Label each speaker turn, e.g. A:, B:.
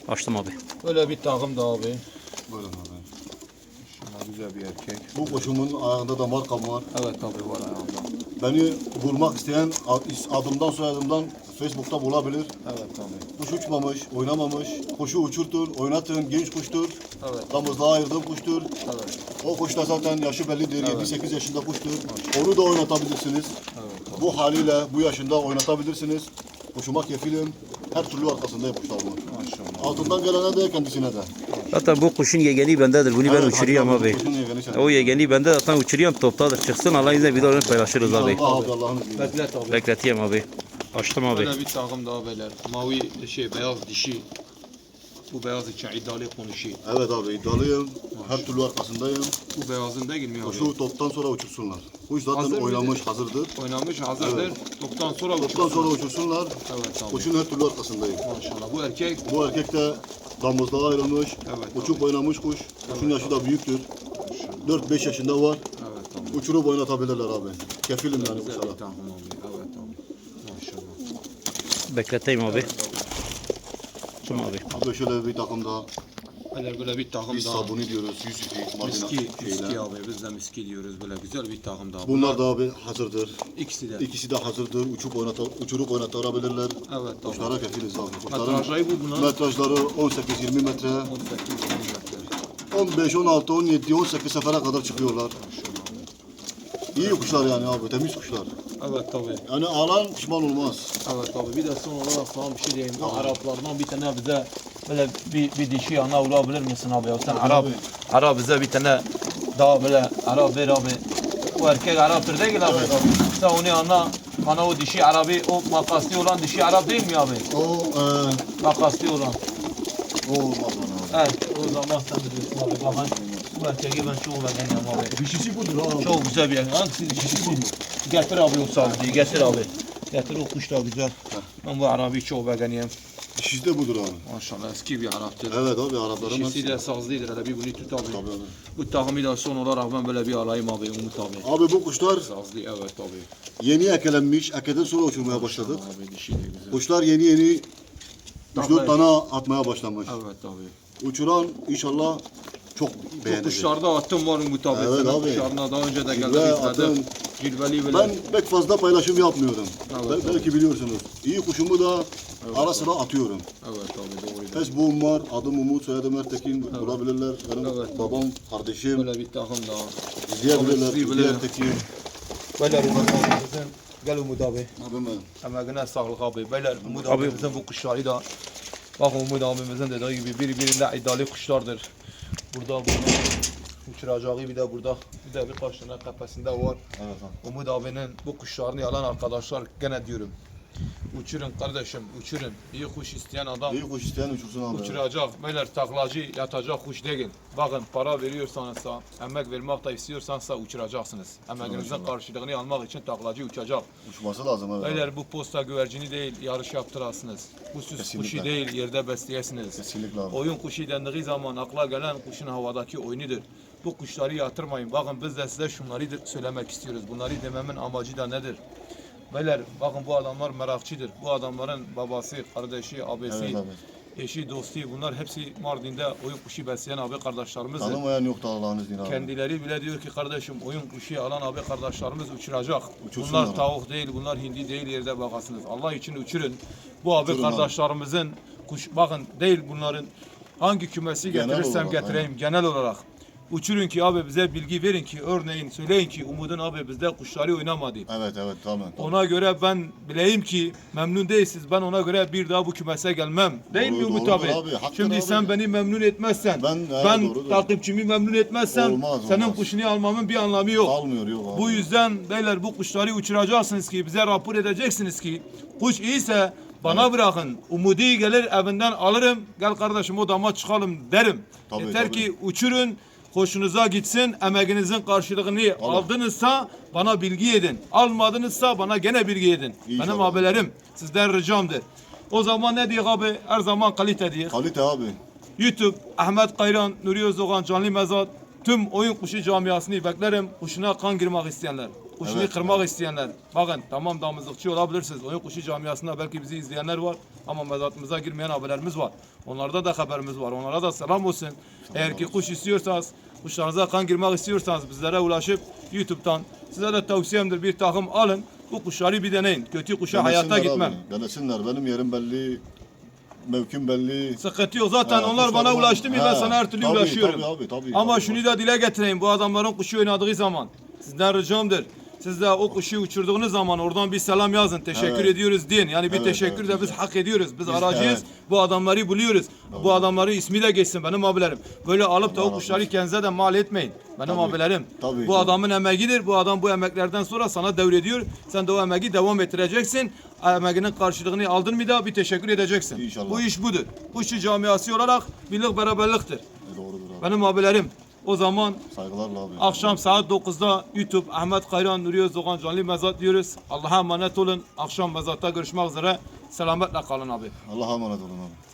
A: Açtım abi.
B: Böyle bir takım da abi.
C: Buyurun abi.
B: Şuna güzel bir erkek.
C: Bu kuşumun ayağında da markam var.
B: Evet abi var ayağında.
C: Beni bulmak isteyen adımdan soyadımdan Facebook'ta bulabilir.
B: Evet abi.
C: Kuş uçmamış, oynamamış. Kuşu uçurtur, oynatın, genç kuştur.
B: Evet.
C: Damızlığa ayırdığım kuştur.
B: Evet.
C: O kuş da zaten yaşı bellidir.
B: Evet.
C: 7-8 yaşında kuştur. Onu da oynatabilirsiniz.
B: Evet.
C: Bu haliyle bu yaşında oynatabilirsiniz. Kuşuma kefilim. Her türlü arkasındayım kuşlarımın.
B: Maşallah.
C: Altından gelene de kendisine de.
A: Zaten bu kuşun yegeni bendedir. Bunu ben
C: Evet,
A: uçuruyorum
C: hatta bu
A: abi.
C: kuşun yegeni sen.
A: O yegeni bende zaten uçuruyorum, toptadır. Çıksın Allah'ın izniyle videolarını paylaşırız abi.
C: Allah abi Allah'ın izniyle.
B: Beklet abi.
A: Bekleteyim abi. Açtım abi.
B: Böyle bir takım daha beyler. Mavi beyaz dişi. Bu beyaz için iddialı konuşuyor.
C: Evet abi iddialıyım. Her türlü arkasındayım.
B: Bu beyazın değil mi abi?
C: Kuşu toptan sonra uçursunlar. Kuş zaten
B: Hazır
C: oynamış,
B: mıydı?
C: hazırdır.
B: Oynamış hazırdır. Toptan sonra
C: Toptan sonra
B: uçursun.
C: uçursunlar.
B: Evet abi.
C: Kuşun her türlü arkasındayım.
B: Maşallah. Bu erkek.
C: Bu erkek de damızlığa ayrılmış.
B: Evet,
C: Uçup oynamış kuş. Kuşun yaşı da büyüktür. 4-5 yaşında var.
B: Evet abi.
C: Uçurup oynatabilirler abi. Kefilim yani
B: Güzel
C: kuşlara.
B: bir takım abi. Evet abi. Maşallah.
A: Bekleteyim abi. Açtım abi.
C: Abi şöyle bir takım daha.
B: Böyle bir takım
C: Biz
B: daha.
C: sabuni diyoruz. Yusuf'i,
B: Miski abi. Biz de miski diyoruz. Böyle güzel bir takım daha.
C: Bunlar da abi hazırdır.
B: İkisi de.
C: İkisi de hazırdır. Uçurup oynatabilirler.
B: Evet abi.
C: Kuşlara kefiliz abi. Kuşların
B: Metrajı bu bunun.
C: metrajları 18-20 metre.
B: 18 metre.
C: 15, 16, 17, 18 sefere kadar çıkıyorlar. İyi kuşlar yani abi, temiz kuşlar.
B: Evet tabi.
C: Yani alan pişman olmaz.
B: Evet abi. Bir de son olarak sana bir şey diyeyim. Bu Araplardan bir tane bize böyle bir dişi yana vurabilir misin abi? Ya sen Arap bize bir tane daha böyle Arap ver abi. O erkek Arap'tır değil abi. Sen onu yana bana o dişi Arabi, o makaslı olan dişi Arap değil mi abi? Makaslı olan.
C: O olmaz bana abi.
B: Evet, o zaman sen biliyorsun abi. Bakın bu erkeği ben çok beğeniyorum abi.
C: Dişisi budur abi.
B: Çok güzel bir erkek. Hangisi dişisi bu? Getir abi o sağlığı, getir abi. Getir o kuş da güzel. Ben bu Arabi'yi çok beğeniyorum.
C: Dişisi de budur abi.
B: Maşallah eski bir Arap'tır.
C: Evet abi Arapların
B: Dişisi de sazlıdır. Hele bir bunu tut abi.
C: Tabii abi.
B: Bu takımı da son olarak ben böyle bir alayım abi Umut abi.
C: Abi bu kuşlar
B: Sazlı evet abi.
C: yeni ekelenmiş. Ekeden sonra uçurmaya başladık.
B: Abi dişi de güzel.
C: Kuşlar yeni
B: Takla
C: 3-4 tane atmaya başlamış.
B: Evet abi.
C: Uçuran inşallah çok
B: Bu
C: beğenecek.
B: kuşlarda attım var Umut abi.
C: Evet
B: Senin
C: abi.
B: kuşlarına daha önce de
C: Cilve
B: geldim izledim.
C: attım.
B: Cilveli böyle.
C: Ben pek fazla paylaşım yapmıyorum.
B: Evet,
C: Belki biliyorsunuz. İyi kuşumu da ara sıra atıyorum.
B: Evet abi doğru.
C: Facebook'um var. Adım Umut, soyadım Ertekin. Bulabilirler. Benim
B: Evet.
C: babam, kardeşim.
B: Böyle bir takım daha.
C: İzleyebilirler.
B: Abi,
C: Türkiye Ertekin.
B: Böyle Umut abimizin. Gel Umut abi.
C: Abim benim.
B: Emeğine sağlık abi. Beyler Umut
A: Abi-
B: abimizin bu kuşları da bak Umut abimizin dediği gibi birbirine iddialı kuşlardır. Burada uçuracağı bir de burada bir de birkaç tane kafesinde var.
C: Evet abi.
B: Umut abinin bu kuşlarını alan arkadaşlar gene diyorum. Uçurun kardeşim uçurun. İyi kuş isteyen adam
C: İyi kuş isteyen uçursun abi.
B: uçuracak. Beyler taklacı yatacak kuş değil. Bakın para veriyorsanızsa, emek vermek da istiyorsansa uçuracaksınız. Emeğinizin karşılığını almak için taklacı uçacak.
C: Uçması lazım evet. abi.
B: Beyler bu posta güvercini değil, yarış yaptırasınız. Bu süs
C: Kesinlikle.
B: kuşu değil, yerde besleyesiniz.
C: Kesinlikle abi.
B: Oyun kuşu dendiği zaman akla gelen kuşun havadaki oyunudur. Bu kuşları yatırmayın. Bakın biz de size şunları söylemek istiyoruz. Bunları dememin amacı da nedir? Beyler bakın bu adamlar merakçıdır. Bu adamların babası, kardeşi, abisi,
C: Evet abi.
B: eşi, dostu bunlar hepsi Mardin'de oyun kuşu besleyen abi kardeşlerimizdir.
C: Tanımayan yok da Allah'ın izniyle abi.
B: Kendileri bile diyor ki kardeşim oyun kuşu alan abi kardeşlerimiz uçuracak.
C: Uçursunlar
B: Bunlar
C: abi.
B: tavuk değil, bunlar hindi değil yerde bakasınız. Allah için uçurun. Bu abi
C: Uçurun abi.
B: kardeşlerimizin kuş bakın değil bunların hangi kümesi
C: Genel
B: getirirsem
C: olarak,
B: getireyim genel olarak. Uçurun ki abi bize bilgi verin ki örneğin söyleyin ki Umut'un abi bizde kuşları oynamadı.
C: Evet tamam.
B: Ona göre ben bileyim ki memnun değilsiniz. Ben ona göre bir daha bu kümese gelmem. Değil mi
C: Doğru,
B: Umut
C: doğrudur
B: abi?
C: abi, hakkın
B: Şimdi
C: abi.
B: sen beni memnun etmezsen,
C: Ben doğrudur.
B: takipçimi memnun etmezsem
C: Olmaz,
B: senin
C: olmaz.
B: kuşunu almamın bir anlamı yok.
C: Almıyor yok abi.
B: Bu yüzden beyler bu kuşları uçuracaksınız ki bize rapor edeceksiniz ki kuş iyiyse bana bırakın. Umudi gelir evinden alırım. Gel kardeşim odama çıkalım derim.
C: Tabii,
B: Yeter
C: tabii.
B: ki uçurun. Hoşunuza gitsin, emeğinizin karşılığını aldınızsa bana bilgi edin. Almadınızsa bana gene bilgi edin.
C: İnşallah.
B: Benim abilerim sizden ricamdır. O zaman ne diyor abi? Her zaman kalite diyor.
C: Kalite abi.
B: YouTube, Ahmet Kayran, Nuri Özdoğan, Canlı Mezat, tüm oyun kuşu camiasını beklerim. Kuşuna kan girmek isteyenler. kuşunu
C: Evet,
B: kırmak isteyenler. Bakın tamam damızlıkçı olabilirsiniz. Oyun kuşu camiasında belki bizi izleyenler var. Ama mezatımıza girmeyen abilerimiz var. Onlarda da haberimiz var. Onlara da selam olsun. Eğer ki kuş istiyorsanız, kuşlarınıza kan girmek istiyorsanız bizlere ulaşıp YouTube'dan size de tavsiyemdir bir takım alın. Bu kuşları bir deneyin. Kötü kuşa hayata
C: Denesinler
B: gitmem.
C: abi, denesinler. Benim yerim belli. Mevkim belli.
B: Sıkıntı yok. Zaten
C: He,
B: onlar bana
C: kuşlarım-
B: ulaştı mı ben
C: He,
B: sana her türlü
C: tabii,
B: ulaşıyorum.
C: tabii,
B: Ama
C: tabii.
B: şunu da dile getireyim. Bu adamların kuşu oynadığı zaman sizden ricamdır. Siz de o kuşu uçurduğunuz zaman oradan bir selam yazın. Teşekkür
C: Evet.
B: ediyoruz deyin. Yani bir
C: Evet,
B: teşekkür
C: evet,
B: de biz
C: güzel.
B: hak ediyoruz. Biz aracıyız.
C: evet.
B: Bu adamları buluyoruz. Bu adamların ismi de geçsin benim abilerim. Böyle alıp da
C: Allah
B: o
C: razı
B: kuşları
C: olsun.
B: kendinize de mal etmeyin. Benim
C: Tabii,
B: abilerim.
C: tabii,
B: Bu
C: tabii.
B: adamın emeğidir. Bu adam bu emeklerden sonra sana devrediyor. Sen de o emeği devam ettireceksin. Emeğinin karşılığını aldın mı da bir teşekkür edeceksin.
C: İnşallah.
B: Bu iş budur. Kuşçu camiası olarak birlik beraberliktir.
C: Doğrudur abi.
B: Benim abilerim. O zaman
C: Saygılarla abi.
B: akşam saat 9'da YouTube Ahmet Kayran Nuri Özdoğan canlı mezat diyoruz. Allah'a emanet olun. Akşam mezatta görüşmek üzere. Selametle kalın abi.
C: Allah'a emanet olun abi.